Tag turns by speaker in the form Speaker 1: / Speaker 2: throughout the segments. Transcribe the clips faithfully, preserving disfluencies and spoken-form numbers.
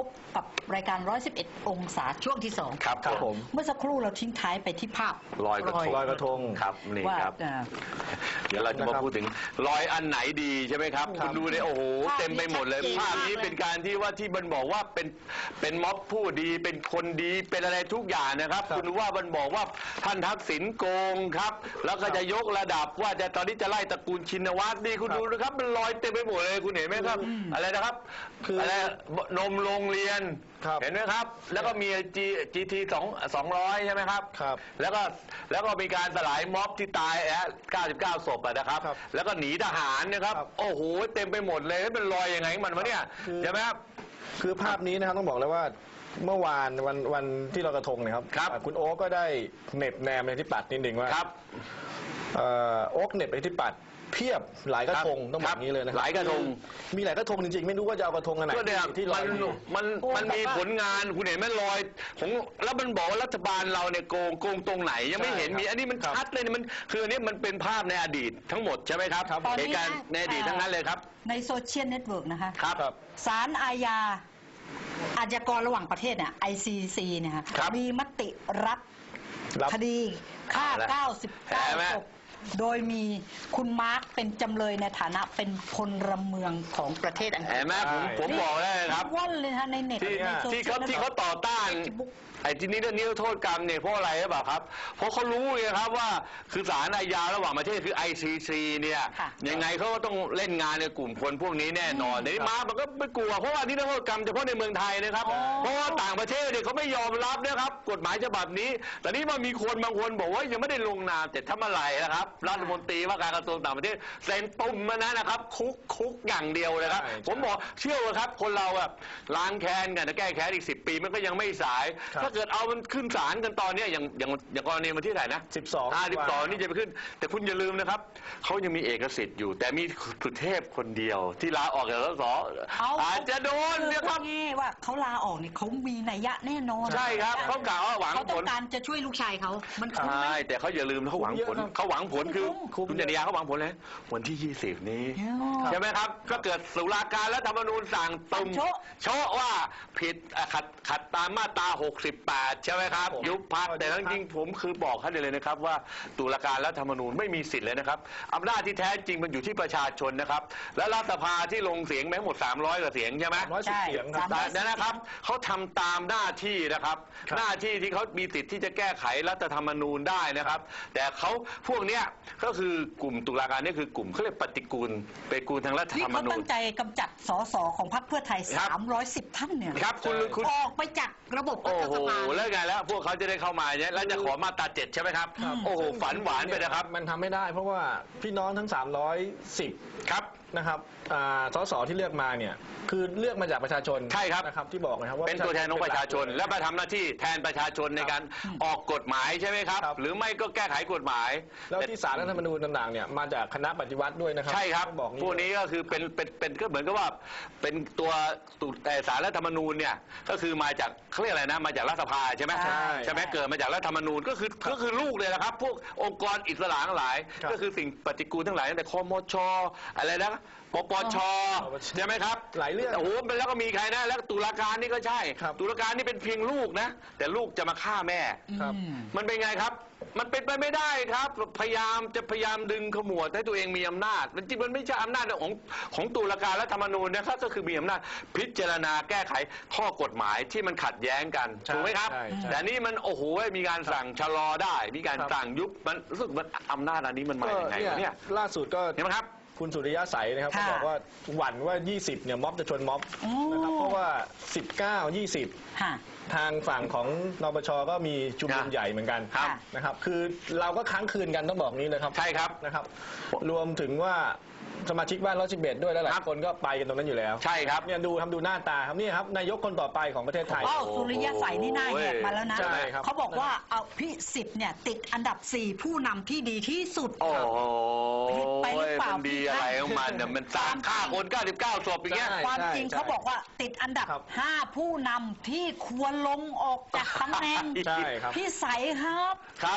Speaker 1: บกับรายการร้อยสิบเอ็ดองศาช่วงที่สอง
Speaker 2: ครับครับผม
Speaker 1: เมื่อสักครู่เราทิ้งท้ายไปที่ภาพ
Speaker 2: ลอยกระทงลอยกระทงครับนี่ครับเดี๋ยวเราจะมาพูดถึงลอยอันไหนดีใช่ไหมครับคุณดูเนี่ยโอ้โหเต็มไปหมดเลยภาพนี้เป็นการที่ว่าที่มันบอกว่าเป็นเป็นม็อบผู้ดีเป็นคนดีเป็นอะไรทุกอย่างนะครับคุณว่ามันบอกว่าท่านทักษิณโกงครับแล้วก็จะยกระดับว่าจะตอนนี้จะไล่ตระกูลชินวัตรนี่คุณดูนะครับมันลอยเต็มไปหมดเลยคุณเห็นไหมครับอะไรนะครับคืออะไรนมโรงเรียนเห็นไหมครับแล้วก็มีจีจีทีสองสองร้อยใช่ไหมครับครับแล้วก็แล้วก็มีการสลายม็อบที่ตายอะเก้าสิบเก้าศพนะครับแล้วก็หนีทหารนะครับโอ้โหเต็มไปหมดเลยมันลอยยังไงมันวะเนี่ยใช่ไหมครับ
Speaker 3: คือภาพนี้นะครับต้องบอกเลยว่าเมื่อวานวันวันที่ลอยกระทงนะครับคุณโอ๊กก็ได้เน็บแนมในที่ปัดนิดหนึ่งว่าโอ๊กเน็บในที่ปัดเพียบหลายกระทงต้องแบบนี้เลยนะ
Speaker 2: หลายกระทง
Speaker 3: มีหลายกระทงจริงๆไม่รู้ว่าจะเอากระทงอันไหน
Speaker 2: ที่ลอยมันมันมีผลงานคุณเห็นไหมลอยของแล้วมันบอกว่ารัฐบาลเราเนี่ยโกงโกงตรงไหนยังไม่เห็นมีอันนี้มันชัดเลยมันคืออันนี้มันเป็นภาพในอดีตทั้งหมดใช่ไหมครับเหตุการณ์ในอดีตทั้งนั้นเลยครับ
Speaker 1: ในโซเชียลเน็ตเวิร์กนะคะ
Speaker 2: ครับ
Speaker 1: ศาลอาญาอาชญากรระหว่างประเทศเนี่ย ไอ ซี ซี เนี่ยมีมติรับคดีฆ่าเก้าสิบเก้าศพโดยมีคุณมาร์คเป็นจำเลยในฐานะเป็นพลเมืองของประเทศอังกฤษ
Speaker 2: เห็นไหมผมผมบอกได้ครับ
Speaker 1: ว่อนเลยฮะในเน็ต
Speaker 2: ที่เขาที่เขาต่อต้านไอ้ที่นี้เรื่องนี้โทษกรรมเนี่ยเพราะอะไรหรือเปล่าครับเพราะเขารู้ไงครับว่าคือศาลอาญาระหว่างประเทศคือ ไอ ซี ซี เนี่ยยังไงเขาก็ต้องเล่นงานในกลุ่มคนพวกนี้แน่นอนในมามันก็ไม่กลัวเพราะว่าที่โทษกรรมเฉพาะในเมืองไทยนะครับเพราะว่าต่างประเทศเนี่ยเขาไม่ยอมรับนะครับกฎหมายฉบับนี้แต่นี่มันมีคนบางคนบอกว่ายังไม่ได้ลงนามแต่ถ้าเมื่อไหร่นะครับรัฐมนตรีว่าการกระทรวงต่างประเทศเซ็นปุ่มมานะนะครับคุกคุกอย่างเดียวเลยครับผมบอกเชื่อว่าครับคนเราแบบล้างแค้นกันจะแก้แค้นอีกสิบปีมันก็ยังไม่สายถ้าเกิดเอามันขึ้นศาลกันตอนนี้อย่างอย่างอย่างกรณีมาที่ไหนนะ
Speaker 3: สิบสอง
Speaker 2: อ่าสิบสองนี่จะไปขึ้นแต่คุณอย่าลืมนะครับเขายังมีเอกสิทธิ์อยู่แต่มีสุเทพคนเดียวที่ลาออกจากสสอาจจะโดนเนี่ยครับ
Speaker 1: ว่าเขาลาออกเนี่ยเขามีนัยยะแน่นอน
Speaker 2: ใช่ครับเขากล่าวว่าหวังผลเขา
Speaker 1: ต้องการจะช่วยลูกชายเขามัน
Speaker 2: ใช่แต่เขาอย่าลืมเขาหวังผลเขาหวังผลคือคุณจริยาเขาหวังผลเลยวันที่ยี่สิบนี้ใช่ไหมครับก็เกิดตุลาการและรัฐธรรมนูญสั่งตุ่มโชว์ว่าผิดขัดขัดตามมาตราหกสิบแปดใช่ไหมครับยุบพรรคแต่จริงๆผมคือบอกให้เลยนะครับว่าตุลาการและรัฐธรรมนูญไม่มีสิทธิ์เลยนะครับอำนาจที่แท้จริงมันอยู่ที่ประชาชนนะครับและรัฐสภาที่ลงเสียงไปหมดสามร้อยกว่าเสียงใช่ไหม
Speaker 3: ร้อยสิบเสียงครับ
Speaker 2: นั่นนะครับเขาทำตามหน้าที่นะครับหน้าที่ที่เขามีสิทธิ์ที่จะแก้ไขรัฐธรรมนูญได้นะครับแต่เขาพวกเนี้ยก็คือกลุ่มตุลาการนี่คือกลุ่มเขาเรียกปฏิกูลปฏิกูลทางรัฐธรรมนูญ
Speaker 1: ที่เขาตั้งใจกำจัดสสของพรรคเพื่อไทยสามร้อยสิบท่านเนี่ย
Speaker 2: ครับคุณคุณ
Speaker 1: ออกไปจากระบบรัฐสภา
Speaker 2: แล้วไงแล้วพวกเขาจะได้เข้ามาเนี่ยแล้วจะขอมาตราเจ็ดใช่ไหมครับโอ้โหฝันหวานไปนะครับ
Speaker 3: มันทำไม่ได้เพราะว่าพี่น้องทั้งสามร้อยสิบ
Speaker 2: ครับ
Speaker 3: นะครับสสที่เลือกมาเนี่ยคือเลือกมาจากประชาชน
Speaker 2: ใช่ครับ
Speaker 3: นะครับที่บอกนะครับ
Speaker 2: ว่าเป็นตัวแทนของประชาชนและมาทำหน้าที่แทนประชาชนในการออกกฎหมายใช่ไหมครับหรือไม่ก็แก้ไขกฎหมมาย
Speaker 3: แล้วที่ศาลรัฐธรรมนูญต่างๆเนี่ยมาจากคณะปฏิวัติด้วยนะครับ
Speaker 2: ใช่ครับพวกนี้ก็คือเป็นเป็นเป็นก็เหมือนกับว่าเป็นตัวแต่ศาลรัฐธรรมนูญเนี่ยก็คือมาจากเขาเรียกอะไรนะมาจากรัฐสภาใช่ไหมใช่ไหมเกิดมาจากรัฐธรรมนูญก็คือก็คือลูกเลยนะครับพวกองค์กรอิสระทั้งหลายก็คือสิ่งปฏิกูลทั้งหลายตั้งแต่คมชอะไรนะปปชใช่ไหมครับ
Speaker 3: หลายเรื่อง
Speaker 2: โอ้โหแล้วก็มีใครนะแล้วตุลาการนี่ก็ใช่ตุลาการนี่เป็นเพียงลูกนะแต่ลูกจะมาฆ่าแม่มันเป็นไงครับมันเป็นไปไม่ได้ครับพยายามจะพยายามดึงขมวดให้ตัวเองมีอำนาจมันจริงมันไม่ใช่อำนาจของของตุลาการและธรรมนูญนะครับก็คือมีอำนาจพิจารณาแก้ไขข้อกฎหมายที่มันขัดแย้งกันถูกไหมครับแต่นี่มันโอ้โหมีการสั่งชะลอได้มีการสั่งยุบมันรู้สึกมันอำนาจอันนี้มันมาอย่างไงเนี่ย
Speaker 3: ล่าสุดก็
Speaker 2: เห็นไหมครับ
Speaker 3: คุณสุริยะใสนะครับเขาบอกว่าหวั่นว่ายี่สิบเนี่ยม็อบจะชนม็อบนะครับเพราะว่าสิบเก้า ยี่สิบทางฝั่งของนปชก็มีชุมนุมใหญ่เหมือนกันนะครับคือเราก็ค้างคืนกันต้องบอกนี้เลยครับ
Speaker 2: ใช่ครับ
Speaker 3: นะครับรวมถึงว่าสมาชิกบ้านร้อยสิบเอ็ดด้วยแล้วหลายคนก็ไปกันตรงนั้นอยู่แล้ว
Speaker 2: ใช่ครับ
Speaker 3: เนี่ยดูทำดูหน้าตาครับนี่ครับนายกคนต่อไปของประเทศไทย
Speaker 1: อ้าวสุริยะใสนี่หน้าแหกมาแล้วนะเขาบอกว่าเอาพิสิทธิ์เนี่ยติดอันดับสี่ผู้นำที่ดีที่สุด
Speaker 2: โอ้ผิดไปหรือเปล่าดีอะไรของมันเนี่ยมันสร้างฆ่าคนเก้าสิบเก้าศพอย่างเงี้ย
Speaker 1: ความจริงเขาบอกว่าติดอันดับห้าผู้นำที่ควรลงออกจากตำแหน่งพี่ใสครับ
Speaker 2: ครับค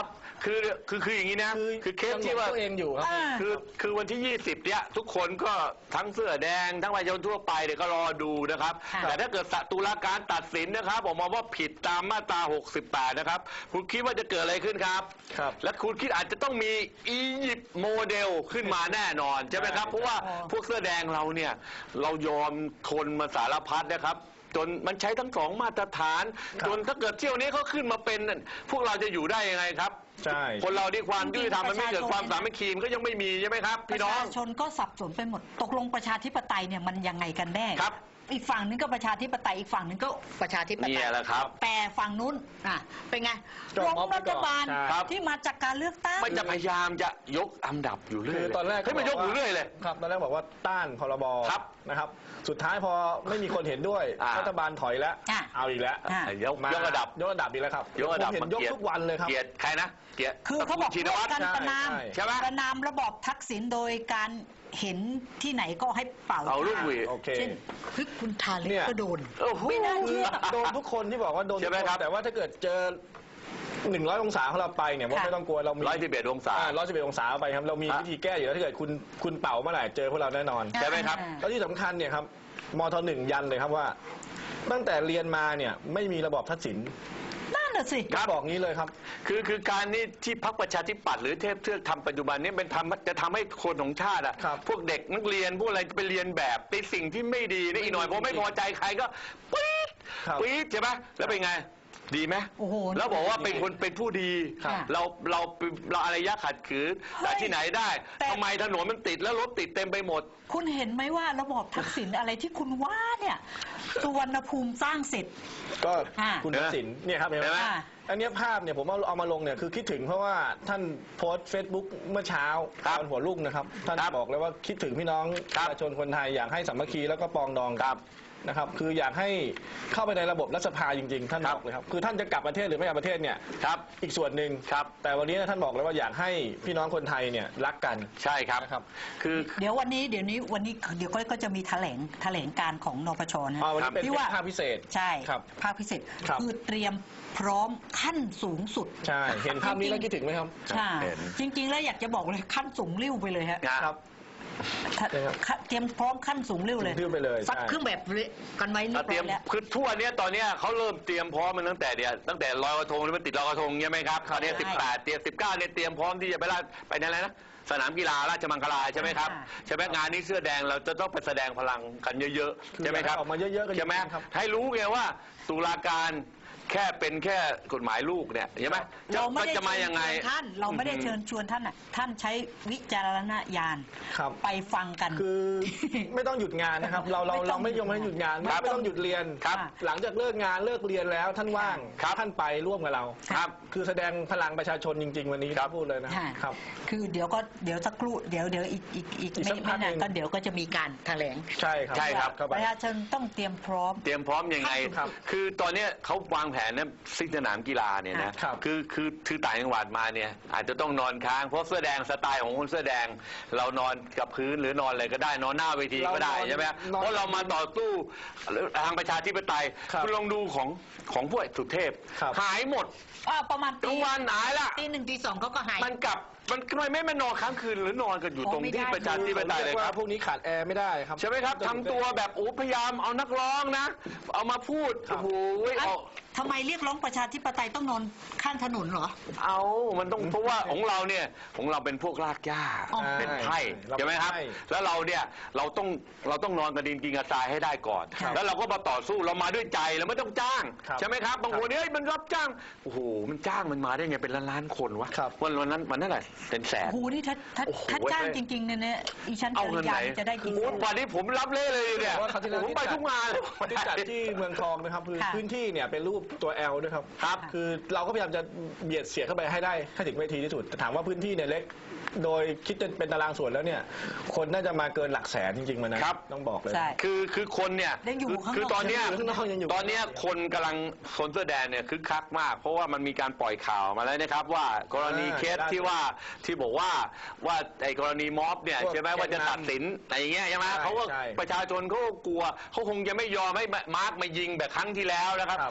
Speaker 2: คือคือคืออย่างนี้นะ
Speaker 3: คือ
Speaker 2: คือเคสที่ว่า
Speaker 3: ตัวเองอยู่ครับ
Speaker 1: อ่า
Speaker 2: คือคือวันที่ ยี่สิบ เนี่ยทุกคนก็ทั้งเสื้อแดงทั้งประชาชนทั่วไปเนี่ยก็รอดูนะครับ
Speaker 1: ค่ะ
Speaker 2: แต่ถ้าเกิดตุลาการตัดสินนะครับออกมาว่าผิดตามมาตรา หกสิบแปด นะครับคุณคิดว่าจะเกิดอะไรขึ้นครับ
Speaker 3: ครับ
Speaker 2: และคุณคิดอาจจะต้องมีอียิปต์โมเดลขึ้นมาแน่นอนใช่ไหมครับ
Speaker 3: ใช่
Speaker 2: เพราะว่าพวกเสื้อแดงเราเนี่ยเรายอมทนมาสารพัดนะครับจนมันใช้ทั้งสองมาตรฐาน
Speaker 3: ครับ
Speaker 2: จนถ้าเกิดเที่ยวนี้เขาขึ้นมาเป็นนั่นพวกเราจะอยู่ได้ยังไงครับ
Speaker 3: ใช่
Speaker 2: คนเราที่ความยุติธรรมมันไม่เกิด
Speaker 1: ประชาชน
Speaker 2: ความสามัคคีมันก็ยังไม่มีใช่ไหมครับ
Speaker 1: ป
Speaker 2: พี่
Speaker 1: ระ
Speaker 2: น้อง
Speaker 1: ชาชนก็สับสนไปหมดตกลงประชาธิปไตยเนี่ยมันยังไงกันแน่
Speaker 2: ครับ
Speaker 1: อีกฝั่งนึงก็ประชาธิปไตยอีกฝั่งนึงก็ประชาธิปไต
Speaker 2: เนี่ย
Speaker 1: ย
Speaker 2: แหละครับ
Speaker 1: แต่ฝั่งนู้นอ่ะเป็นไง
Speaker 3: จบ
Speaker 1: ล้ม
Speaker 3: ม็อบไป
Speaker 1: รั
Speaker 3: ก่
Speaker 1: ฐ
Speaker 3: อน
Speaker 1: บาล
Speaker 3: ใช่
Speaker 2: ครับ
Speaker 1: ที่มาจากการเลือกตั้ง
Speaker 2: มันจะพยายามจะยกอันดับอยู่เรื่อย
Speaker 3: คือตอนแรก
Speaker 2: ให้ยมันยกอยู่เรื่อยเลย
Speaker 3: ครับตอนแรกบอกว่าต้านพรบ
Speaker 2: ครับ
Speaker 3: นะครับ สุดท้ายพอไม่มีคนเห็นด้วย
Speaker 2: อ่า
Speaker 3: รัฐบาลถอยแล้ว
Speaker 1: อ่ะ
Speaker 3: เอาอีกแล้ว
Speaker 1: อ่ะ
Speaker 2: ยก
Speaker 3: มาย
Speaker 2: กระดับ
Speaker 3: ยกระดับอีกแล้วครับ
Speaker 2: ยกระดับ
Speaker 3: ผมเห็นยก
Speaker 2: มาเกลียด
Speaker 3: ทุกวันเลยครับ
Speaker 2: เกลียดใครนะเกลียด
Speaker 1: คือเขาบอก
Speaker 2: ชิน
Speaker 1: ร่ว
Speaker 2: วั
Speaker 1: ม
Speaker 2: ตร
Speaker 1: กันประนาม
Speaker 3: ใช่
Speaker 2: ใช่ไหม
Speaker 1: ประนามระบอบทักษิณโดยการเห็นที่ไหนก็ให้เป่า
Speaker 2: เอาลูกหวีด
Speaker 3: โอเค
Speaker 1: เช่นเฮ้ยคุณทาลิ
Speaker 3: เนี่
Speaker 1: ป
Speaker 3: ย
Speaker 1: ก็โดน
Speaker 2: โอ้โห
Speaker 1: ไม่น่าเชื่อ
Speaker 3: โดนทุกคนที่บอกว่าโดน
Speaker 2: ใช่ไหมครับ
Speaker 3: แต่ว่าถ้าเกิดเจอหนึ่งร้อยองศาของเราไปเนี่ยว่า
Speaker 1: ค่ะ
Speaker 3: ไม่ต้องกลัวเรามี
Speaker 2: ร้อยสิบเอ็ดองศา
Speaker 3: ร้อยสิบเอ็ดองศาไปครับเรามี
Speaker 2: ฮะ
Speaker 3: วิธีแก้อยู่แล้วถ้าเกิดคุณคุณเป่าเมื่อไหร่เจอพวกเราแน่นอน
Speaker 2: ใช่ไหมครับ
Speaker 3: แล้วที่สำคัญเนี่ยครับมทหนึ่งยันเลยครับว่า ตั้งแต่เรียนมาเนี่ยไม่มีระบอบทักษิณ
Speaker 1: นั่นน่ะสิ
Speaker 2: ครับ
Speaker 3: บอกงี้เลยครับ
Speaker 2: คือคือการนี่ที่พรรคประชาธิปัตย์หรือเทพเทือกทำปัจจุบันนี้เป็นทำจะทำให้คนของชาติอ่ะ
Speaker 3: ครับ
Speaker 2: พวกเด็กนักเรียนพวกอะไรไปเรียนแบบไปสิ่งที่ไม่ดีนะอีกหน่อยพอไม่พอใจใครก็ปี๊ด
Speaker 3: ครับ
Speaker 2: ปี๊ดใช่ไหมแล้วเป็นไงดีไหม
Speaker 1: โอ้โห
Speaker 2: แล้วบอกว่าเป็นคนเป็นผู้ดี
Speaker 1: ครับ
Speaker 2: เราเราเราอารยะขัดขืนแต่ที่ไหนได้
Speaker 1: แต่
Speaker 2: ทำไมถนนมันติดแล้วรถติดเต็มไปหมด
Speaker 1: คุณเห็นไหมว่าระบอบทักษิณอะไรที่คุณว่าเนี่ยสุวรรณภูมิสร้างเสร็จ
Speaker 3: ก็
Speaker 1: อ่า
Speaker 3: คุณทักษิณเนี่ยครับเห็นไหม
Speaker 2: เห็นไหม
Speaker 1: อ่า
Speaker 3: อันเนี้ยภาพเนี่ยผมเอาเอามาลงเนี่ยคือคิดถึงเพราะว่าท่านโพสต์เฟซบุ๊กเมื่อเช้า
Speaker 2: ครับ
Speaker 3: ตอนหัวรุ่งนะครับท่าน
Speaker 2: ครับ
Speaker 3: บอกเลยว่าคิดถึงพี่น้อง
Speaker 2: ค
Speaker 3: ป
Speaker 2: รับ
Speaker 3: ระชาชนคนไทยอยากให้สามัคคีแล้วก็ปรองดอง
Speaker 2: ครับ
Speaker 3: นะครับคืออยากให้เข้าไปในระบบรัฐสภาจริงๆ ท่าน
Speaker 2: ครับ
Speaker 3: บอกเลยครับคือท่านจะกลับประเทศหรือไม่กลับประเทศเนี่ย
Speaker 2: ครับ
Speaker 3: อีกส่วนหนึ่ง
Speaker 2: ครับ
Speaker 3: แต่วันนี้ท่านบอกเลยว่าอยากให้พี่น้องคนไทยเนี่ยรักกัน
Speaker 2: ใช่ครับ
Speaker 3: นะครับ
Speaker 2: คือ
Speaker 1: เดี๋ยววันนี้เดี๋ยวนี้วันนี้เดี๋ยวก็ก็จะมีแถลงแถลงการของนปชนะ
Speaker 3: อ่าวันนี้เป็น
Speaker 1: ที่
Speaker 3: เป็น
Speaker 1: ว่า
Speaker 3: ภาคพิเศษ
Speaker 1: ใช่
Speaker 3: ครับ
Speaker 1: ภาคพิเศษ
Speaker 3: ครับ
Speaker 1: คือเตรียมพร้อมขั้นสูงสุด
Speaker 3: ใช่เห็นภาพนี้แล้วคิดถึงไหมครับ
Speaker 1: ใช่
Speaker 2: เห็น
Speaker 1: จริง ๆ แล้วอยากจะบอกเลยขั้นสูงริ้วไปเลยฮะ
Speaker 2: นะครับ
Speaker 1: ถ้า
Speaker 3: ใช่ครับ
Speaker 1: ขั้นเตรียมพร้อมขั้นสูงริ้วเลย
Speaker 3: สูงริ้วไปเลย
Speaker 1: ซัด
Speaker 3: ใช่
Speaker 1: เครื่องแบบเลยกันไว้เรียบ
Speaker 2: เต
Speaker 1: ร้
Speaker 2: รี
Speaker 1: อย ย
Speaker 2: ม
Speaker 1: แล้ว
Speaker 2: คือทั่วเนี้ยตอนเนี้ยเขาเริ่มเตรียมพร้อมมันตั้งแต่เดียวตั้งแต่ลอยกระทงหรือมันติดลอยกระทงใช่ไหมครับตอนนี้
Speaker 1: ใช่
Speaker 2: สิบแปดเตรียมสิบเก้าเนี่ยเตรียมพร้อมที่จะไปลาดไปในอะไรนะสนามกีฬาราชมังคลาใช่ไหมครับ
Speaker 1: ค่ะ
Speaker 2: ใช่ไหมงานนี้เสื้อแดงเราจะต้องไปแสดงพลังกันเยอะ
Speaker 3: คือ
Speaker 2: ๆใช่ไหมครับ
Speaker 3: อยากให้ออกมาเยอะๆกัน
Speaker 2: ใช่ไหม
Speaker 3: จริงๆครับ
Speaker 2: ให้รู้ไงว่าตุลาการแค่เป็นแค่กฎหมายลูกเนี่ยใช่ไหมจะ
Speaker 1: เราไม่ได้
Speaker 2: จะมายังไง
Speaker 1: เชิญชวนท่าน เราไม่ได้เชิญชวนท่านอ่ะท่านใช้วิจารณญาณ
Speaker 3: ครับ
Speaker 1: ไปฟังกัน
Speaker 3: คือไม่ต้องหยุดงานนะครับ เราเรา
Speaker 1: ไม่ต้
Speaker 3: เรา
Speaker 1: อง
Speaker 3: ไม่ยอมให้หยุดงาน
Speaker 1: ครับ
Speaker 3: ไม่ต้องหยุดเรียน
Speaker 2: ครับ
Speaker 3: หลังจากเลิกงานเลิกเรียนแล้วท่านว่าง
Speaker 2: ครับ
Speaker 3: ท่านไปร่วมกับเรา
Speaker 2: ครับ
Speaker 3: คือแสดงพลังประชาชนจริง ๆ วันนี้
Speaker 2: ครับ
Speaker 3: พูดเลยนะ
Speaker 1: ค่ะ
Speaker 3: ครับ
Speaker 1: คือเดี๋ยวก็เดี๋ยวสักครู่เดี๋ยวเดี๋ยวอีกอีกอีก
Speaker 3: อีก
Speaker 1: ไม่
Speaker 3: สักพั
Speaker 1: ไม่
Speaker 3: ก
Speaker 1: นาน
Speaker 3: หนึ่ง
Speaker 1: ก็เดี๋ยวก็จะมีการแถลง
Speaker 3: ใช่ครับ
Speaker 2: ใช่ครับ
Speaker 3: เข้าไป
Speaker 1: ประชาชนต้องเตรียมพร้อม
Speaker 2: เตรียมพร้อมยังไง
Speaker 3: ครับ
Speaker 2: คือตอนเนี้ยเขาวางแผนนะซิสนามกีฬาเนี่ยนะครับ คือคือคือต่างจังหวัดมาเนี่ยอาจจะต้องนอนค้างเพราะเสื้อแดงสไตล์ของคนเสื้อแดง เรานอนกับพื้นหรือนอนอะไรก็ได้นอนหน้าเวทีก็ได้
Speaker 3: เรานอน
Speaker 2: ใช่ไหม
Speaker 3: นอน
Speaker 2: เพราะเรามาต่อสู้ทางประชาธิปไตย
Speaker 3: ครับ
Speaker 2: คุณลองดูของของพวกสุเทพ
Speaker 3: ครับ
Speaker 2: หายหมด
Speaker 1: อ่าประมาณ
Speaker 2: กลางวันหายละ
Speaker 1: ตีหนึ่งตีสองเขาก็หาย
Speaker 2: มันกลับมันทำไมไม่มานอนค้างคืนหรือนอนกันอยู่
Speaker 1: อ๋อ
Speaker 2: ตรง
Speaker 1: ไม่
Speaker 2: ที่
Speaker 1: ได้
Speaker 2: ประชาธิปไตยเลย
Speaker 3: รีก
Speaker 2: ค
Speaker 3: ว่า
Speaker 2: รับ
Speaker 3: พวกนี้ขาดแอร์ไม่ได้ครับ
Speaker 2: ใช่ไหมครับทำตัวแบบโอ้พยายามเอานักร้องนะ เอามาพูด
Speaker 3: ครั
Speaker 2: โอ้
Speaker 3: บ
Speaker 2: โห
Speaker 1: อ่ะ
Speaker 2: เอา
Speaker 1: ทำไมเรียกร้องประชาธิปไตยต้องนอนข้างถนนเหรอ
Speaker 2: เอา มันต้องเพราะว่าของเราเนี่ยของเราเป็นพวกรากหญ้า
Speaker 1: อ๋อ
Speaker 2: เป็นไพร่
Speaker 3: เรา
Speaker 2: ใช่ไหมครับ
Speaker 3: เป็นไพร่
Speaker 2: แล้วเราเนี่ยเราต้องเราต้องนอนกระดินกินกระทรายให้ได้ก่อน
Speaker 1: ครับ
Speaker 2: แล้วเราก็มาต่อสู้เรามาด้วยใจเราไม่ต้องจ้าง
Speaker 3: ครับ
Speaker 2: ใช่ไหมครับบางคนเนี่ยเฮ้ยมันรับจ้างโอ้โหมันจ้างมันมาได้ไงเป็นล้านล้านๆคนวะ
Speaker 3: ครับ
Speaker 2: วันวันนั้นมันนั่นแหละเป็นแสน
Speaker 1: โอ้โหนี่ถ้าถ้า
Speaker 2: โอ้โห
Speaker 1: ถ้าจ้างจริงๆเนี่ยเนี่ยอีชั้น
Speaker 2: เอา
Speaker 1: จ
Speaker 2: เงิน
Speaker 1: ริ
Speaker 2: ไหน
Speaker 1: ยาจะได้กี่
Speaker 2: โอ้โหวันนี้ผมรับเล่เลยเนี่ย
Speaker 3: ว่าคราวที่แล้ว
Speaker 2: ผมไปทุกงานเลย
Speaker 3: ที่จัดที่เมืองทองนะครับคือ
Speaker 1: ค่ะ
Speaker 3: พื้นที่เนี่ยเป็นรูปตัว L ด้วยครับ
Speaker 2: ครับ
Speaker 3: คือเราก็พยายามจะเบียดเสียดเข้าไปให้ได้ให้ถึงเวทีที่สุดแต่ถามว่าพื้นที่เนี่ยเล็ก โดยคิดเป็นตารางส่วนแล้วเนี่ยคนน่าจะมาเกินหลักแสนจริงๆมันนะครับ ต้องบอกเลย
Speaker 1: ใช่
Speaker 2: คือคือคนเนี่ย
Speaker 1: ยังอยู่ข้างนอก
Speaker 2: คือตอนเนี้ย
Speaker 3: ยังอยู่ข้างนอกยังอยู่
Speaker 2: ตอนเนี้ยคนกำลังคนเสื้อแดงเนี่ยคึกคักมาก เพราะว่ามันมีการปล่อยข่าวมาแล้วนะครับ ว่ากรณีเคสที่ว่าที่บอกว่าว่าไอ้กรณีม็อบเนี่ย
Speaker 3: พวก
Speaker 2: ใช่ไหมว่าจะ
Speaker 3: แกนนำ
Speaker 2: ตัดสินอะไรอย่างเงี้ยใช่ไหม
Speaker 3: ใช่
Speaker 2: เขาก็
Speaker 3: ใช่
Speaker 2: ประชาชนเขาก็กลัวเขาคงจะไม่ยอมให้มาร์กมายิงแบบครั้งที่แล้วนะครับ
Speaker 3: ครับ
Speaker 2: และยิ่ง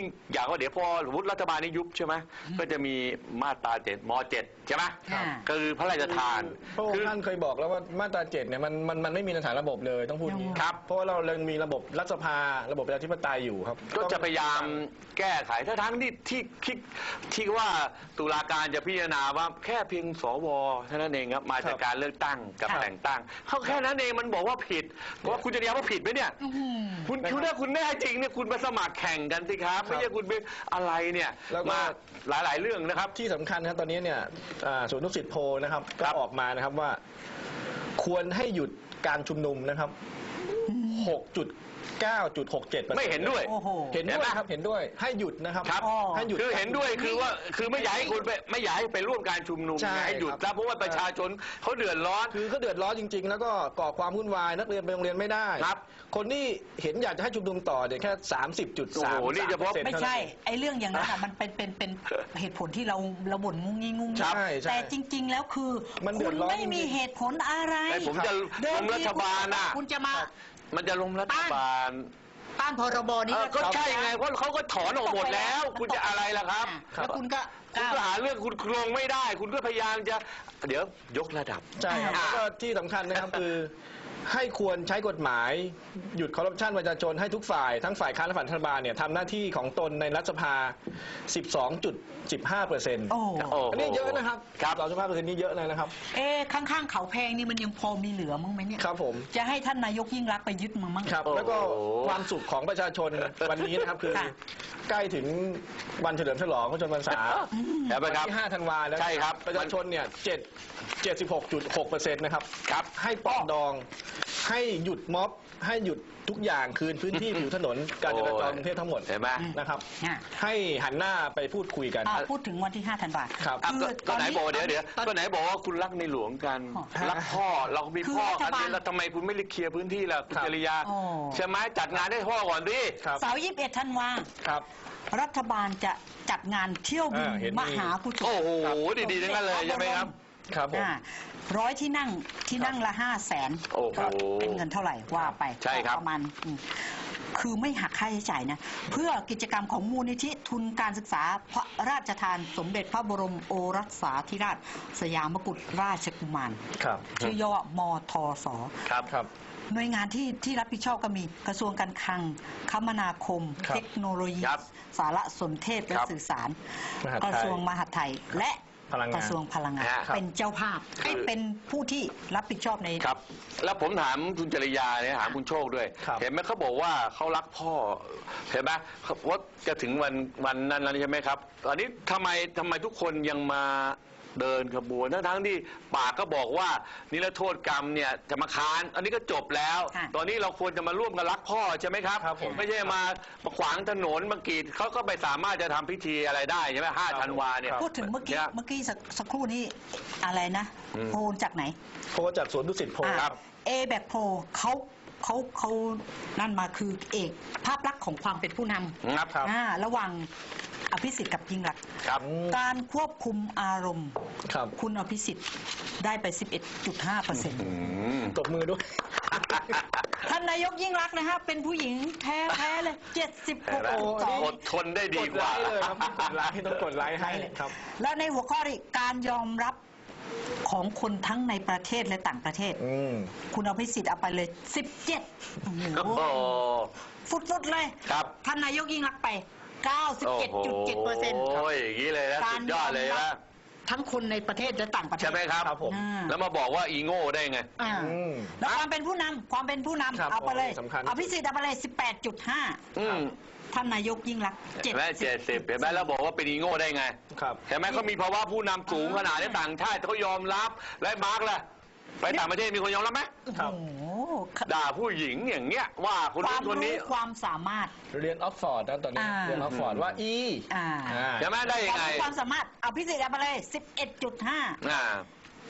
Speaker 2: ยิ่งอยากว่าเดี๋ยวพอสมมติรัฐบาลนี้ยุบใช่ไหมก็จะมีมาตราเจ็ดมเจ็ดใช่ไหม
Speaker 1: ครับ
Speaker 2: ก็คือพระราชทาน
Speaker 3: พระอง
Speaker 2: คื
Speaker 3: ค์ท่านเคยบอกแล้วว่ามาตราเจ็ดเนี่ยมันมันมันไม่มีในฐานระบบเลยต้องพูดอย่างนี้
Speaker 2: ครับ
Speaker 3: เพราะว่าเราเรามีระบบรัฐสภาระบบประชาธิปไตยอยู่ครับ
Speaker 2: ก็จะพยายามแก้ไขถ้าทั้งที่ที่ที่ที่ว่าตุลาการจะพิจารณาว่าแค่เพียงสวเท่านั้นเองครับมาจากการเลือกตั้งกับ
Speaker 3: ครับ
Speaker 2: แต่งตั้งเขาแค่นั้นเองมันบอกว่าผิดว่าคุณจะเรียกว่าผิดไหมเนี่ย
Speaker 1: อื้อหือ
Speaker 2: คุณคุณถ้าคุณแน่จริงเนี่ยคุณมาสมัครแข่งกันสิครับไม่ใช่คุณไปอะไรเนี่ย
Speaker 3: แล้วก็
Speaker 2: มาหลายๆเรื่องนะครับ
Speaker 3: ที่สำคัญนะครับตอนนี้เนี่ยอ่าศูนย์นุสิตโพลนะครับก็ออกมานะครับว่า ควรให้หยุดการชุมนุมนะครับ หกจุดเก้าจุดหกเจ็ด
Speaker 2: ไม่เห็นด้วย
Speaker 1: โอ้โห
Speaker 3: เห็นด้วยครับเห็นด้วยให้หยุดนะครับ
Speaker 2: ครับ
Speaker 1: อ๋อ
Speaker 3: ให้หยุด
Speaker 2: คือเห็นด้วยคือว่าคือไม่อยากให้คุณไปไม่อยากให้ไปร่วมการชุมนุม
Speaker 3: ใช่
Speaker 2: ให้หยุด
Speaker 3: ครับ
Speaker 2: แล้วเพราะว่าประชาชนเขาเดือดร้อน
Speaker 3: คือเขาเดือดร้อนจริง ๆ แล้วก็ก่อความวุ่นวายนักเรียนไปโรงเรียนไม่ได้
Speaker 2: ครับ
Speaker 3: คนที่เห็นอยากจะให้ชุมนุมต่อเนี่ยแค่สามสิบจุด
Speaker 2: โอ้
Speaker 3: สาม
Speaker 2: โหนี่เฉพาะ
Speaker 1: ไม่ใช่ ไอ้เรื่องอย่างนั้นอะมันเป็นเป็นเป็นเหตุผลที่เราเราบ่นงุ้งงิ้งงุ้งงิ้ง
Speaker 3: ใช่ใช่
Speaker 1: แต่จริง ๆ แล้วคือ
Speaker 3: มันเดื
Speaker 1: คุ
Speaker 3: อ
Speaker 1: ณ
Speaker 3: ดร้อน
Speaker 1: ไม่มี
Speaker 3: จริงๆ
Speaker 1: เหตุผลอะไร
Speaker 2: ไอ้ผมจะ
Speaker 1: เดิ
Speaker 2: ล้
Speaker 1: ม
Speaker 2: มรั
Speaker 1: ที
Speaker 2: ฐบาลน่ะ
Speaker 1: คุณจะมา
Speaker 2: มันจะล้มรัฐบาล
Speaker 1: ต้านพรบนี้
Speaker 2: เออก็ใช่ไงเพราะเขาก็ถอนออกหมดแล้ว คุณจะอะไรล่ะครับ
Speaker 1: แล้วคุณก็
Speaker 2: คุณก็หาเรื่องคุณลงไม่ได้ คุณก็พยายามจะเดี๋ยวยกระดับ
Speaker 3: ใช่ครับ
Speaker 2: อ่า
Speaker 3: แล้วก็ที่สำคัญนะครับ คือให้ควรใช้กฎหมาย หยุดคอร์รัปชันประชาชนให้ทุกฝ่ายทั้งฝ่ายค้านและฝ่ายรัฐบาลเนี่ยทำหน้าที่ของตนในรัฐสภา สิบสองจุดสิบห้าเปอร์เซ็นต์
Speaker 1: โอ้
Speaker 2: โอ้โห
Speaker 3: อันนี้เยอะนะครับ
Speaker 2: ครับ
Speaker 3: สองจุดห้าเปอร์เซ็นต์นี่เยอะเลยนะครับ
Speaker 1: เอ๊ะข้างๆเขาแพงนี่มันยังพอมีเหลือมั้งไหมเนี่ย
Speaker 3: ครับผม
Speaker 1: จะให้ท่านนายกยิ่งรักษณ์ไปยึดมั้งมั้ง
Speaker 3: ครับ
Speaker 2: โอ้โห
Speaker 3: แล้วก็ความสุขของประชาชนวันนี้นะครับ คือ
Speaker 1: ค่ะ
Speaker 3: ใกล้ถึงวันเฉลิมฉลองพระชนมพรรษา
Speaker 2: เห็นไหม
Speaker 3: วัน
Speaker 2: ครับ
Speaker 3: ที่ห้าธันวาแล้ว
Speaker 2: ใช่ครับ
Speaker 3: ประชาชนเนี่ยเจ็ดเจ็ดสิบหกจุดหกเปอร์เซ็นต์นะครับ
Speaker 2: ครับ
Speaker 3: ให้ปรองดอง ให้หยุดม็อบ ให้หยุดทุกอย่างคืนพื้นที่ ผิวถนนการจราจรกรุงเทพทั้งหมด
Speaker 2: เห็นไหม
Speaker 3: นะครับ
Speaker 1: อ่ะ
Speaker 3: ให้หันหน้าไปพูดคุยกัน
Speaker 1: อ่ะพูดถึงวันที่ห้าธันวา
Speaker 3: ครับ
Speaker 2: อ่ะก็ก็ไหนบอกเดี๋ยวเดี๋ยว
Speaker 1: ตอน
Speaker 2: ก็ไหนบอกว่าคุณรักในหลวงกัน
Speaker 1: อ๋อ
Speaker 2: รักพ่อเรามี
Speaker 1: คือ
Speaker 2: พ่อ
Speaker 1: รัฐ
Speaker 2: กัน
Speaker 1: บาล
Speaker 2: เนี่ยแล้วทำไมคุณไม่เคลียร์พื้นที่ล่ะคุณ
Speaker 3: ครับ
Speaker 2: จริยา
Speaker 1: อ๋อ
Speaker 2: ใช่ไหมจัดงานให้พ่อก่อนดิ
Speaker 3: ครับ
Speaker 1: เสาร์ยี่สิบเอ็ดธันวา
Speaker 3: ครับ
Speaker 1: รัฐบาลจะจัดงานเที่ยวบิน
Speaker 3: อ่าเห็นมี
Speaker 1: มหากุศล
Speaker 2: โอ้โหดีๆทั้งนั้นเลยใช่ไหมครับ
Speaker 3: ครับผม
Speaker 1: อ่าร้อยที่นั่งที่นั่งละห้าแสน
Speaker 2: โอ้โห
Speaker 1: เป็นเงินเท่าไหร่ว่าไป
Speaker 2: ใช่ครับ
Speaker 1: ประมาณอืมคือไม่หักค่าใช้จ่ายนะ เพื่อกิจกรรมของมูลนิธิทุนการศึกษาพระราชทานสมเด็จพระบรมโอรสาธิราช สยามกุฎราชกุมาร
Speaker 3: ครับ
Speaker 1: ชื่อย่อว่ามทส
Speaker 2: ครับ
Speaker 3: ครับ
Speaker 1: หน่วยงานที่ที่รับผิดชอบก็มีกระทรวงการคลังคมนาคม
Speaker 3: ครับ
Speaker 1: เทคโนโลยี
Speaker 2: ครับ
Speaker 1: สารสนเทศและ
Speaker 2: ครับ
Speaker 1: สื่อสาร
Speaker 3: มหาดไทย
Speaker 1: กระทรวงมหาดไทย และ
Speaker 3: พลังงาน
Speaker 1: กระทรวงพลังงาน
Speaker 2: ครับ
Speaker 1: เป็นเจ้าภาพให้เป็นผู้ที่รับผิดชอบใน
Speaker 2: ครับ แล้วผมถามคุณจริยาเนี่ยถามคุณโชคด้วย
Speaker 3: ครับ
Speaker 2: เห็นไหมเขาบอกว่าเขารักพ่อ เห็นไหมเขาว่าจะถึงวันวันนั้นแล้วใช่ไหมครับ ตอนนี้ทำไมทำไมทุกคนยังมาเดินขบวนทั้งทั้งที่ปากก็บอกว่านิรโทษกรรมเนี่ยจะมาค้าน อันนี้ก็จบแล้ว
Speaker 1: ค่ะ
Speaker 2: ตอนนี้เราควรจะมาร่วมกันรักพ่อใช่ไหมครับ
Speaker 3: ครับผม
Speaker 2: ไม่ใช่มามาขวางถนนมากรีดเขาก็ไม่สามารถจะทำพิธีอะไรได้ใช่ไหมห้า
Speaker 3: ครับ
Speaker 2: ธันวาเนี่ย
Speaker 3: ครับ
Speaker 1: พูดถึงเมื่อกี้
Speaker 2: นี่ย
Speaker 1: เมื่อกี้สักสักครู่นี้อะไรนะ
Speaker 2: อืม
Speaker 1: โพลจากไหน
Speaker 3: โพลจากสวนดุสิตโพล
Speaker 1: อ่า
Speaker 3: ครับ
Speaker 1: เอแบกโพลเขาเขาเขานั่นมาคือเอกภาพลักษณ์ของความเป็นผู้น
Speaker 2: ครับ
Speaker 3: ครับ
Speaker 1: ำอ่าระหว่างอภิสิทธิ์กับยิ่งรักษณ์
Speaker 2: ครับ
Speaker 1: การควบคุมอารมณ์
Speaker 3: ครับ
Speaker 1: คุณอภิสิทธิ์ได้ไป สิบเอ็ดจุดห้าเปอร์เซ็นต์
Speaker 2: อืม
Speaker 3: ตบมือด้วย
Speaker 1: ท่านนายกยิ่งรักษณ์นะฮะเป็นผู้หญิงแท้แท้ๆเลย เจ็ดสิบหก
Speaker 2: เห็นไหม
Speaker 1: จุดสอง
Speaker 2: อดทนได้ดี
Speaker 3: กด
Speaker 2: ก
Speaker 3: ไล
Speaker 2: ว่า
Speaker 3: ค์เลยครับกดไลค์ต้องกดไลค์ให้ครับ
Speaker 1: และในหัวข้อนี้การยอมรับของคนทั้งในประเทศและต่างประเทศ
Speaker 3: อืม
Speaker 1: คุณอภิสิทธิ์เอาไปเลย สิบเจ็ด โอ้โห
Speaker 2: โอ้โห
Speaker 1: ฟุดๆเลย
Speaker 2: ครับ
Speaker 1: ท่านนายกยิ่งรักษณ์ไป เก้าสิบเจ็ดจุดเจ็ดเปอร์เซ็นต์
Speaker 2: โอ้ยอย่างนี้เลยนะสุดยอดเลยนะ
Speaker 1: ทั้งคนในประเทศและต่างประเทศ
Speaker 2: ใช่ไหมครับ
Speaker 3: ครับผม
Speaker 1: อ่า
Speaker 2: แล้วมาบอกว่าอีโง่ได้ไง
Speaker 1: อ่า
Speaker 3: อืม
Speaker 1: แล้วความเป็นผู้นำความเป็นผู้นำ
Speaker 3: ครับ
Speaker 1: เอาไปเลย
Speaker 3: สำคัญ
Speaker 1: อภิสิทธิ์เอาไปเลย สิบแปดจุดห้า
Speaker 2: อืม
Speaker 1: ท่านนายกยิ่งรักษณ์
Speaker 2: เห็นไหมเจ็ดสิบเห็นไหมแล้วบอกว่าเป็นอีโง่ได้ไง
Speaker 3: ครับ
Speaker 2: เห็นไหมเขามีภาวะผู้นำสูงขนาดนี้ต่างชาติเขายอมรับและมาร์กล่ะไปต่างประเทศมีคนยอมรับไหม
Speaker 3: ครับ
Speaker 1: โอ้โห
Speaker 2: ด่าผู้หญิงอย่างเงี้ยว่าคน
Speaker 1: ควา
Speaker 2: นู้
Speaker 1: ม
Speaker 2: นคน
Speaker 1: รู้
Speaker 2: นี้
Speaker 1: ความสามารถ
Speaker 3: เรียนออกฟอร์ดนะตอนนี้
Speaker 1: อ่า
Speaker 3: เรียนออกฟอร์ดว่าอี
Speaker 1: อ่า
Speaker 3: อ่า
Speaker 2: ใช่ไหมได้
Speaker 1: ค
Speaker 2: ยัง
Speaker 1: วาม
Speaker 2: ไง
Speaker 1: รู้ความสามารถอภิสิทธิ์เอาไปเลย สิบเอ็ดจุดห้า
Speaker 2: อ่า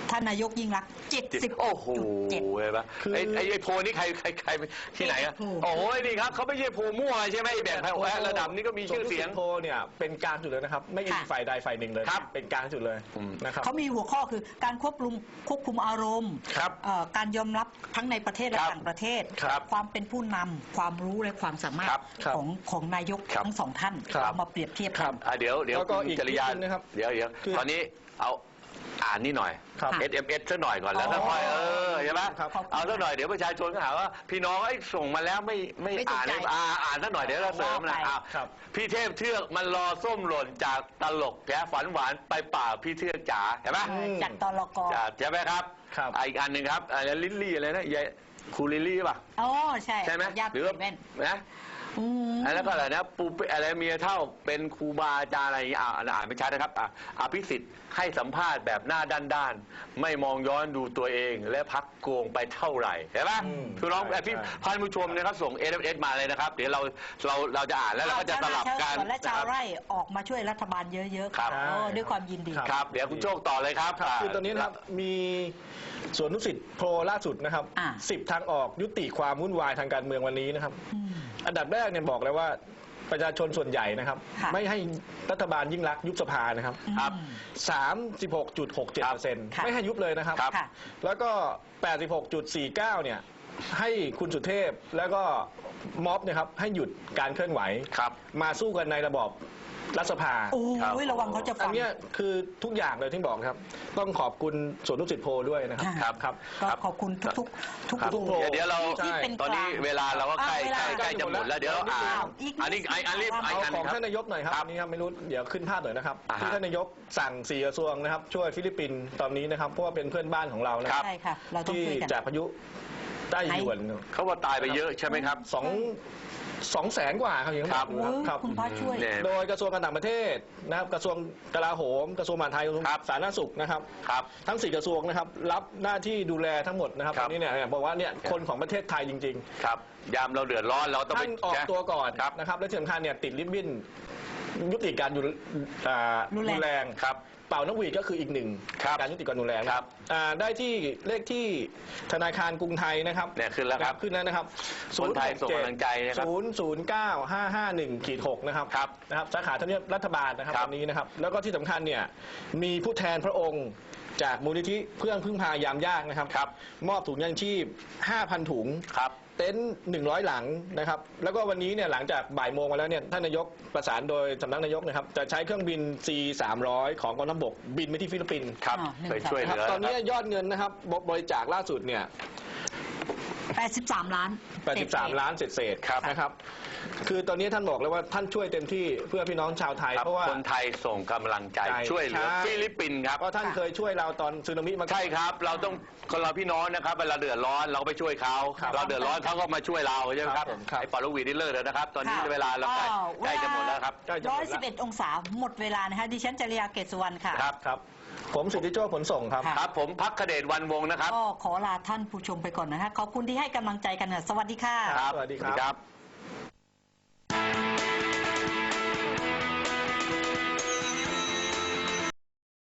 Speaker 1: ท่านนายกยิ่งรักษณ์เจ็ดสิบ
Speaker 2: โอ้โห
Speaker 1: เจ็ด
Speaker 2: เห็นปะไอ้ไอ้ไอ้โพลนี่ใครใครใครที่ไหนอะ
Speaker 1: โพล
Speaker 2: โอ้ยนี่ครับเขาไม่ใช่โพลมั่วใช่ไหมไอ้แบบระดับนี้ก็มีชื่อเสียง
Speaker 3: โพลเนี่ยเป็นกลางจุดเลยนะครับ ไม่มีฝ่ายใดฝ่ายหนึ่งเลย
Speaker 2: ครับ
Speaker 3: เป็นกลางจุดเลยนะครับ
Speaker 1: เขามีหัวข้อคือการควบคุมควบคุมอารมณ์
Speaker 2: ครับ
Speaker 1: เอ่อการยอมรับทั้งในประเทศและ
Speaker 2: ครับ
Speaker 1: ต่างประเทศ
Speaker 2: ครับ
Speaker 1: ความเป็นผู้นำความรู้และความสามารถ
Speaker 2: ครับ
Speaker 3: ครับ
Speaker 1: ของของนายก
Speaker 2: ครับ
Speaker 1: ทั้งสองท่าน
Speaker 3: ครับ
Speaker 1: เอามาเปรียบเทียบ
Speaker 3: ครั
Speaker 1: กับ น
Speaker 2: อ่ะเดี๋ยวเดี๋ยว
Speaker 3: แล้วก็
Speaker 2: คุณ
Speaker 3: อีก
Speaker 2: จริยา
Speaker 3: นิดนึงนะครับ
Speaker 2: เดี๋ยวเดี๋ยว
Speaker 3: คือ
Speaker 2: ตอนนี้เอาอ่านนี่หน่อย
Speaker 3: ครับ
Speaker 2: เอส เอ็ม เอส สักหน่อยก่อนแล้ว
Speaker 1: อ๋อ
Speaker 2: ค่อยๆเออใช่ไหม
Speaker 3: ครับ
Speaker 2: เอาสักหน่อยเดี๋ยวประชาชนก็หาว่าพี่น้องไอ้ยส่งมาแล้วไม่ไม่
Speaker 1: ไม่ถูก
Speaker 2: อ่าน
Speaker 1: ใจ
Speaker 2: อ่าอ่านสักหน่อยเดี๋ยวเราเสริมนะ
Speaker 1: ว่าไป
Speaker 2: อ้าว
Speaker 3: ครับ
Speaker 2: พี่เทพเทือกมันรอส้มหล่นจากตลกแกฝันหวานไปป่าพี่เทือกจ๋าเห็นไหม
Speaker 1: เออจากตลก
Speaker 2: จ๋าใช่ไหมครับ
Speaker 3: ครับ
Speaker 2: อ่ะอีกอันหนึ่งครับอะไรลิลลี่อะไรนะยายครูลิลลี่ป่ะ
Speaker 1: อ๋อใช่
Speaker 2: ใช่ไหม
Speaker 1: ญาติ
Speaker 2: หรือว่า
Speaker 1: แว่น
Speaker 2: นะ
Speaker 1: อืม
Speaker 2: แล้วก็อะไรนะปูเปอะไรเมียเท่าเป็นครูบาอาจารย์อะไรอย่างเงี้ยอ่าอ่านไม่ชัดนะครับอ่ะอภิสิทธิ์ให้สัมภาษณ์แบบหน้าด้านๆไม่มองย้อนดูตัวเองและพักโกงไปเท่าไหร่เห็นไหม
Speaker 3: อืม
Speaker 2: คือน้อง
Speaker 3: ใช่
Speaker 2: พี่
Speaker 3: ใช่
Speaker 2: พันผู้ชมนะครับส่ง เอส เอ็ม เอส มาเลยนะครับ เดี๋ยวเราเราเราจะอ่านแล้วเราก็จะสลับกัน
Speaker 1: ชาวนาชาวสวนและชาว
Speaker 2: นะครับ
Speaker 1: ไร่ออกมาช่วยรัฐบาลเยอะๆ
Speaker 2: ครับ
Speaker 1: โอ้ด้วยความยินดี
Speaker 2: ครับ เดี๋ยวคุณโชคต่อเลยครับ
Speaker 3: ครับคือตอนนี้นะครับมีสวนนุสิตโพลล่าสุดนะครับ
Speaker 1: อ่า
Speaker 3: สิบทางออกยุติความวุ่นวายทางการเมืองวันนี้นะครับ
Speaker 1: อืม
Speaker 3: อันดับแรกเนี่ยบอกเลยว่าประชาชนส่วนใหญ่นะครับ
Speaker 1: ค่ะ
Speaker 3: ไม่ให้รัฐบาลยิ่งรักษณ์ยุบสภานะครับ
Speaker 2: ครับ
Speaker 1: อืม
Speaker 3: สามสิบหกจุดหกเจ็ดเปอร์เซ็นต์
Speaker 1: ค่ะ
Speaker 3: ไม่ให้ยุบเลยนะครับ
Speaker 2: ครับ
Speaker 1: ค่ะ
Speaker 3: แล้วก็แปดสิบหกจุดสี่เก้าเนี่ยให้คุณสุเทพแล้วก็ม็อบเนะครับให้หยุดการเคลื่อนไหว
Speaker 2: ครับ
Speaker 3: มาสู้กันในระบอบรัฐสภา
Speaker 1: โอ้
Speaker 2: ครับ
Speaker 1: ยระวังเขาจะ
Speaker 3: อั
Speaker 1: ฟั
Speaker 3: น
Speaker 1: ง
Speaker 3: เนี้ยคือทุกอย่างเลยที่บอกครับ ต้องขอบคุณสวนนุสิตโพลด้วยนะครับ
Speaker 1: ค่ะ
Speaker 3: ครับครับ
Speaker 1: ก็ขอบคุณทุกๆทุก
Speaker 3: ครับ
Speaker 1: ทุก
Speaker 3: โพล
Speaker 2: เดี๋ยวเดี๋ยวเรา
Speaker 3: ใช่
Speaker 1: ที่เป็น
Speaker 2: ตอนนี้เวลาเราก็ใกล้
Speaker 1: อ่ะ
Speaker 2: ใกล้
Speaker 1: เวลา
Speaker 2: ใกล้จะหมดแล้วเดี๋ยวเราอ่าน
Speaker 1: อีกนิด
Speaker 2: อันนี้ไอ้อันรีบไอ้
Speaker 3: เอา
Speaker 2: อัน
Speaker 3: ของ
Speaker 2: ครับ
Speaker 3: ท่านนายกหน่อยครับ
Speaker 2: ครับ
Speaker 3: อันนี้ครับไม่รู้เดี๋ยวขึ้นภาพหน่อยนะครับ
Speaker 2: อ่าฮะ
Speaker 3: ที่ท่านนายกสั่งสี่กระทรวงนะครับ ช่วยฟิลิปปินส์ตอนนี้นะครับเพราะว่าเป็นเพื่อนบ้านของเรานะ
Speaker 2: ค
Speaker 3: ค
Speaker 2: รั
Speaker 3: รับ บ
Speaker 1: ใช่ค่ะ เราต้อง
Speaker 3: ที่
Speaker 1: ช่วยกัน
Speaker 3: จากพายุใต้หยวน
Speaker 2: เขาว่าตายไปเยอะใช่ไหมครับ
Speaker 3: สองสองแสนกว่าครับอย่างที่
Speaker 2: ครับ
Speaker 3: อกอยู่ครับ
Speaker 1: คุณพระช่วย
Speaker 2: เนี่ย
Speaker 3: โดยกระทรวงการต่างประเทศนะครับกระทรวงกลาโหมกระทรวงมหาดไทยกระทรวง
Speaker 2: ครับ
Speaker 3: สาธารณสุขนะครับ
Speaker 2: ครับ
Speaker 3: ทั้งสี่กระทรวงนะครับรับหน้าที่ดูแลทั้งหมดนะครับ
Speaker 2: ครั
Speaker 3: ต
Speaker 2: บ
Speaker 3: อนนี้เนี่ยบอกว่าเนี่ยคนของประเทศไทยจริง
Speaker 2: ครับ ยามเราเดือดร้อนเราต้อง
Speaker 3: ๆ
Speaker 2: ไป
Speaker 3: ท่านออกตัวก่อน
Speaker 2: ครับ
Speaker 3: นะครับและที่สำคัญเนี่ยติดริบบิ้นยุติการอยู่อ่า
Speaker 1: รุนแรง
Speaker 3: รุนแรง
Speaker 2: ครับ
Speaker 3: เป่านกหวีดก็คืออีกหนึ่ง
Speaker 2: ครับ
Speaker 3: การยุติการรุนแรง
Speaker 2: ครับ
Speaker 3: อ่าได้ที่เลขที่ธนาคารกรุงไทยนะครับ
Speaker 2: เนี่ยขึ้นแล้วครับ
Speaker 3: ขึ้นแล้วนะครับ
Speaker 2: คนไทยส่งกำลังใจนะครับ
Speaker 3: ศูนย์ศูนย์เก้าห้าห้าหนึ่งขีดหกนะครับ
Speaker 2: ครับ
Speaker 3: นะครับสาขาทำเนียบรัฐบาลนะครับ
Speaker 2: ครับ
Speaker 3: วันนี้นะครับ แล้วก็ที่สำคัญเนี่ยมีผู้แทนพระองค์จากมูลนิธิเพื่อนพึ่งพายามยากนะครับ
Speaker 2: ครับ
Speaker 3: มอบถุงยางชีพ ห้าพัน ถุง
Speaker 2: ครับ
Speaker 3: เต็นท์หนึ่งร้อยหลังนะครับ แล้วก็วันนี้เนี่ยหลังจากบ่ายโมงมาแล้วเนี่ยท่านนายกประสานโดยสำนักนายกนะครับจะใช้เครื่องบิน ซี สามร้อย ของกองทัพบกบินไปที่ฟิลิปปินส์
Speaker 2: ครับ
Speaker 1: อ่าหนึ่ง
Speaker 2: ไปช่วยเห
Speaker 3: นะครับ
Speaker 2: ลือ
Speaker 3: ตอนนี้
Speaker 2: ครับ
Speaker 3: ยอดเงินนะครับบริจาคล่าสุดเนี่ย
Speaker 1: แปดสิบสามล้าน
Speaker 3: แปดสิบสามล้านเศษ
Speaker 2: ครับ
Speaker 3: ๆนะครับ คือตอนนี้ท่านบอกเลยว่าท่านช่วยเต็มที่เพื่อพี่น้องชาวไทย
Speaker 2: ครับ
Speaker 3: เพราะว่า
Speaker 2: คนไทยส่งกำลังใจ
Speaker 3: ใจ
Speaker 2: ช่วยเหลือ
Speaker 3: ใช่
Speaker 2: ฟิลิปปินส์ครับ
Speaker 3: เพราะท่านเคยช่วยเราตอนสึนามิมาก่อน
Speaker 2: ใช่ครับ เราต้องคนเราพี่น้องนะครับเวลาเดือดร้อนเราก็ไปช่วยเขา
Speaker 3: ครับ
Speaker 2: เราเดือดร้อนเขาก็มาช่วยเราใช่ไหมครับ
Speaker 3: ครับผมครับ
Speaker 2: ไอ้ปอลวีนี่เลิกแล้วนะครับ ตอนนี้
Speaker 1: ค่ะ
Speaker 2: เวลาเราใกล้
Speaker 1: อ้าว
Speaker 2: ใกล้จะหมดแล้วครับ
Speaker 3: ใกล้จะหม
Speaker 1: ร้
Speaker 3: ด
Speaker 1: อย
Speaker 3: แล้
Speaker 1: สิบ
Speaker 3: ว
Speaker 1: เอ็ดองศาหมดเวลานะคะดิฉันจริยาเกตสุวรรณค่ะ
Speaker 2: ครับ
Speaker 3: ครับ ผมสิทธิโชคผลส่งครับ
Speaker 1: ค่ะ
Speaker 2: ครับผมพักเดชวันวงศ์นะครับ
Speaker 1: ก็ขอลาท่านผู้ชมไปก่อนนะคะขอบคุณที่ให้กำลังใจกันนะสวัสดีค่ะ
Speaker 3: ครับสวัสดีครับ
Speaker 2: ครับ